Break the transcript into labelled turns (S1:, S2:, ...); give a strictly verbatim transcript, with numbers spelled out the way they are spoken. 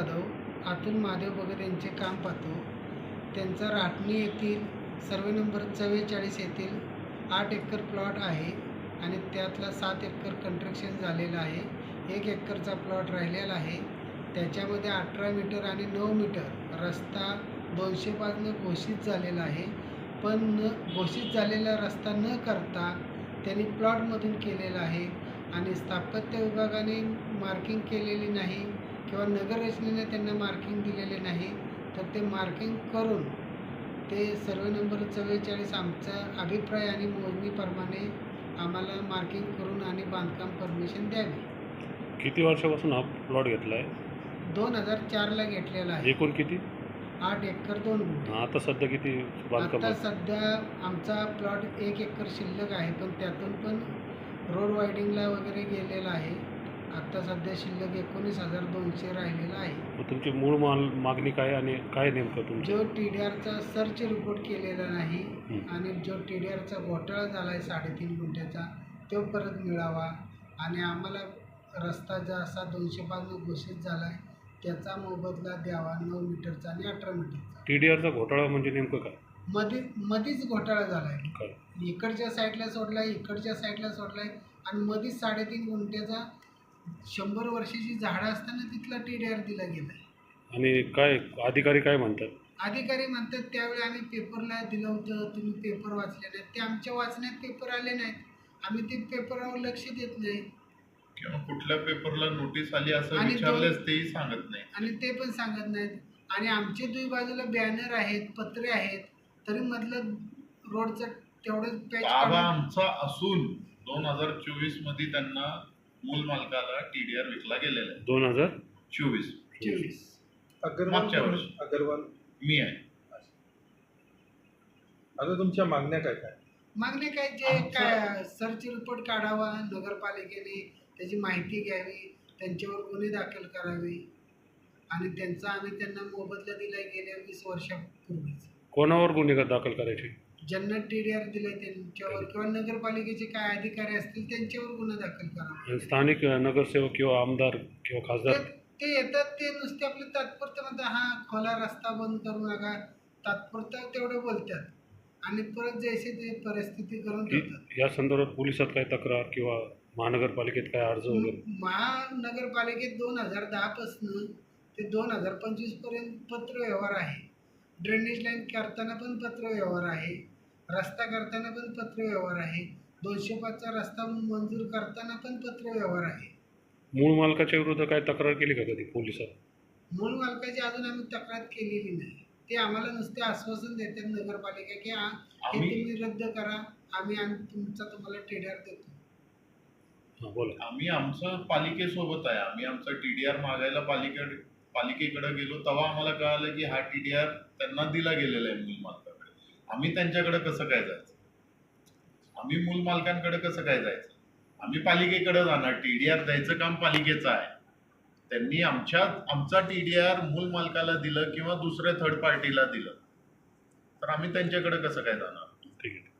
S1: जाधव, अतुल महादेव भगत यांचे काम पाहतो. त्यांचा राटणी येथील सर्वे नंबर चव्वेचाळीस येथील आठ एकर प्लॉट आहे आणि त्यातला सात एकर कंस्ट्रक्शन झालेलं आहे. एक एकरचा प्लॉट राहिलेला आहे. त्याच्यामध्ये अठरा मीटर आणि नऊ मीटर रस्ता दोनशे पाचनं घोषित झालेला आहे. पण न घोषित झालेला रस्ता न करता त्यांनी प्लॉटमधून केलेला आहे आणि स्थापत्य विभागाने मार्किंग केलेली नाही किंवा नगररचनेने त्यांना मार्किंग दिलेले नाही. तर ते मार्किंग करून ते सर्वे नंबर चव्वेचाळीस आमचा अभिप्राय आणि मोजणीप्रमाणे आम्हाला मार्किंग करून आणि बांधकाम परमिशन द्यावी.
S2: किती वर्षापासून हा प्लॉट घेतला आहे?
S1: दोन हजार चारला घेतलेला आहे.
S2: एकूण किती?
S1: आठ एकर दोन गुंठे.
S2: आता सध्या किती बांधकाम?
S1: आता सध्या आमचा प्लॉट एक एकर शिल्लक आहे, पण त्यातून पण रोड वायडिंगला वगैरे गेलेला आहे. आता सध्या शिल्लक एकोणीस हजार दोनशे राहिलेला आहे.
S2: मग तुमची मूळ माल मागणी काय आणि काय नेमकं तुमचं?
S1: जो टी डी आरचा सर्च रिपोर्ट केलेला नाही आणि जो टी डी आरचा घोटाळा झाला आहे साडेतीन गुंठ्याचा, तो परत मिळावा आणि आम्हाला रस्ता जो असा दोनशे पाचनं घोषित झाला आहे त्याचा मोबदला द्यावा, नऊ मीटरचा आणि अठरा मीटरचा.
S2: टी डी आरचा घोटाळा म्हणजे नेमकं काय?
S1: मध्ये मध्येच घोटाळा झाला आहे.
S2: काय?
S1: इकडच्या साईडला सोडला आहे, इकडच्या साईडला सोडला आहे आणि मध्येच साडेतीन गुंठ्याचा शंभर वर्षाची झाडं असताना तिथला टी डी आर दिला गेला आहे.
S2: आणि काय अधिकारी काय म्हणतात?
S1: अधिकारी म्हणतात त्यावेळी आम्ही पेपरला दिलं होतं, तुम्ही पेपर वाचले नाहीत. ते आमच्या वाचण्यात पेपर आले नाहीत, आम्ही ते पेपरावर लक्ष देत नाही
S3: किंवा कुठल्या पेपरला नोटीस आली असं
S1: आणि
S3: विचारल्यास तेही सांगत नाही
S1: आणि ते पण सांगत नाहीत. आणि आमचे दुई बाजूला बॅनर आहेत, पत्रे आहेत, तरी मधलं रोडचं तेवढं पॅच
S3: ताबा आमचा असून दोन हजार चोवीस मध्ये त्यांना मूल मालकाला टीडीआर विकला गेलेला आहे.
S2: दोन हजार
S3: चोवीस
S1: चोवीस
S3: मागच्या वर्षी
S4: अगरवाल
S3: मी आहे.
S4: आता तुमच्या मागण्या काय काय?
S1: मागणे काय, जे
S3: आमचं-
S1: काय सर्च रिपोर्ट काढावा नगरपालिकेने, त्याची माहिती घ्यावी, त्यांच्यावर गुन्हे दाखल करावे आणि त्यांचा आम्ही त्यांना मोबदला दिला गेल्या वीस वर्षापूर्वीच.
S2: कोणावर गुन्हे दाखल करायचे?
S1: ज्यांना टी डी आर दिलाय त्यांच्यावर किंवा नगरपालिकेचे काय अधिकारी असतील त्यांच्यावर गुन्हा दाखल करावा.
S2: आणि स्थानिक नगरसेवक किंवा आमदार किंवा खासदार
S1: ते ते येतात, ते नुसते आपले तात्पुरतं म्हणतात, हा खोला रस्ता बंद करू नका, तात्पुरतं तेवढं बोलतात आणि परत जैसे ते परिस्थिती करून ठेवतात.
S2: या संदर्भात पोलिसात काय तक्रार किंवा महानगरपालिकेत काय अर्ज वगैरे?
S1: महानगरपालिकेत दोन हजार दहापासून ते दोन हजार पंचवीस पर्यंत पत्रव्यवहार आहे. ड्रेनेज लाईन करताना पण पत्रव्यवहार आहे, रस्ता करताना पण पत्रव्यवहार आहे, दोनशे पाचचा रस्ता मंजूर करताना पण पत्रव्यवहार आहे.
S2: मूळ मालकाच्या विरुद्ध काय तक्रार केली का कधी पोलिसात?
S1: मूळ मालकाची अजून आम्ही तक्रार केलेली नाही. ते आम्हाला नुसते आश्वासन देतात नगरपालिका की हा हे
S3: आम्ही-
S1: तुम्ही रद्द करा, आम्ही आम्ही तुमचा तुम्हाला टीडीआर देतो.
S2: हां बोला.
S3: आम्ही आमचं पालिकेसोबत आहे. आम्ही आमचा टीडीआर मागायला पालिकेकडे पालिकेकडे गेलो तेव्हा आम्हाला कळालं की हा टीडीआर त्यांना दिला गेलेला आहे मूल मालकाकडे. आम्ही त्यांच्याकडे कसं काय जायचं? आम्ही मूल मालकांकडे कसं काय जायचं? आम्ही पालिकेकडे जाणार. टीडीआर द्यायचं काम पालिकेचं आहे. त्यांनी आमच्या आमचा टीडीआर मूल मालकाला दिलं किंवा दुसऱ्या थर्ड पार्टीला दिलं तर आम्ही त्यांच्याकडे कसं काय जाणार?
S2: ठीक आहे.